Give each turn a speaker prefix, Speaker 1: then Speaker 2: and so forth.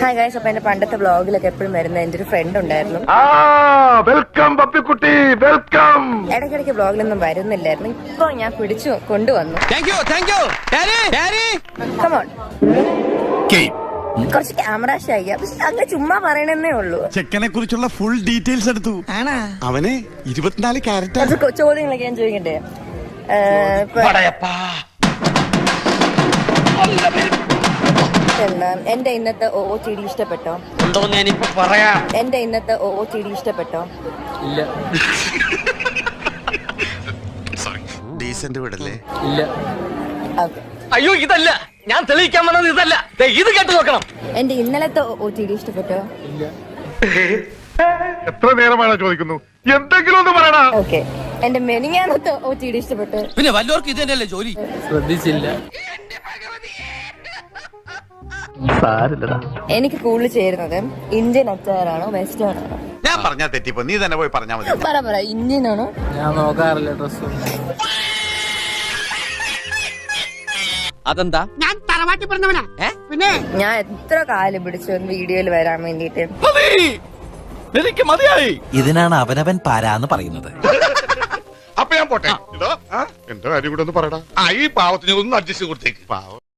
Speaker 1: Hi guys, അപ്പൊ എന്റെ പണ്ടത്തെ വ്ളോഗിലൊക്കെ എപ്പോഴും വരുന്ന എന്റെ ഒരു ഫ്രണ്ട് ഉണ്ടായിരുന്നു.
Speaker 2: വെൽക്കം പപ്പിക്കുട്ടി, വെൽക്കം.
Speaker 1: ഇടയ്ക്കിടയ്ക്ക് വ്ളോഗിലൊന്നും വരുന്നില്ലായിരുന്നു. ഇപ്പൊ ഞാൻ പിടിച്ചു കൊണ്ടുവന്നു. കമോൺ, കുറച്ച് ക്യാമറ ഷൈ, പക്ഷെ അങ്ങ് ചുമ്മാ പറയണെന്നേ ഉള്ളൂ.
Speaker 3: ചെക്കനെ കുറിച്ചുള്ള ഫുൾ ഡീറ്റെയിൽസ് എടുത്തു. അവന് 24 ക്യാരറ്റ്.
Speaker 1: കുറച്ച് ചോദ്യങ്ങളൊക്കെ ഞാൻ ചോദിക്കട്ടെ? എന്റെ ഇന്നത്തെ OOTD ഇഷ്ടപ്പെട്ടോ? എന്റെ ഇന്നത്തെ OOTD ഇഷ്ടപ്പെട്ടോ?
Speaker 4: ഇല്ല.
Speaker 3: ഡീസന്റ് വിടല്ലേ?
Speaker 4: ഇല്ല.
Speaker 1: ഓക്കെ.
Speaker 4: അയ്യോ, ഇതല്ല ഞാൻ തെളിയിക്കാൻ വന്നത്, ഇതല്ല. ഇത് കേട്ട് നോക്കണം.
Speaker 1: എന്റെ ഇന്നലത്തെ OOTD ഇഷ്ടപ്പെട്ടോ?
Speaker 4: ഇല്ല.
Speaker 2: എത്ര നേരമാണ് ചോദിക്കുന്നു, എന്തെങ്കിലും ഒന്ന് പറയണ.
Speaker 1: ഓക്കെ. എന്റെ മെനിങ്ങാനത്തെ OOTD ഇഷ്ടപ്പെട്ടോ?
Speaker 4: പിന്നെ വല്ലവർക്കും ഇത് തന്നെയല്ലേ ജോലി. ശ്രദ്ധിച്ചില്ല. സാരില്ലടാ.
Speaker 1: എനിക്ക് കൂടുതൽ ചേരുന്നത് ഇന്ത്യൻ അച്ചാറാണോ വെസ്റ്റേൺ ആണോ?
Speaker 3: ഞാൻ പറഞ്ഞാ തെറ്റിപ്പോ നീ തന്നെ പോയി പറഞ്ഞാ മതി.
Speaker 1: പറ, ഇന്ത്യൻ ആണോ?
Speaker 4: ഞാൻ നോക്കാറില്ല ഡ്രസ്. അതെന്താ?
Speaker 5: ഞാൻ തറവാട്ടി പറഞ്ഞവനാ. പിന്നെ
Speaker 1: ഞാൻ എത്ര കാലം പിടിച്ചു വീഡിയോയിൽ വരാൻ വേണ്ടിട്ട്.
Speaker 4: എനിക്ക് മതിയായി.
Speaker 6: ഇതിനാണ് അവനവൻ പാരാന്ന് പറയുന്നത്.
Speaker 2: അപ്പൊ ഞാൻ പോട്ടെ. എന്റെ കാര്യം കൂടെ ഒന്ന് പറയടാ. ഈ പാവത്തിന് ഒന്ന് അഡ്ജസ്റ്റ് കൊടുത്തേക്ക്. പാവം.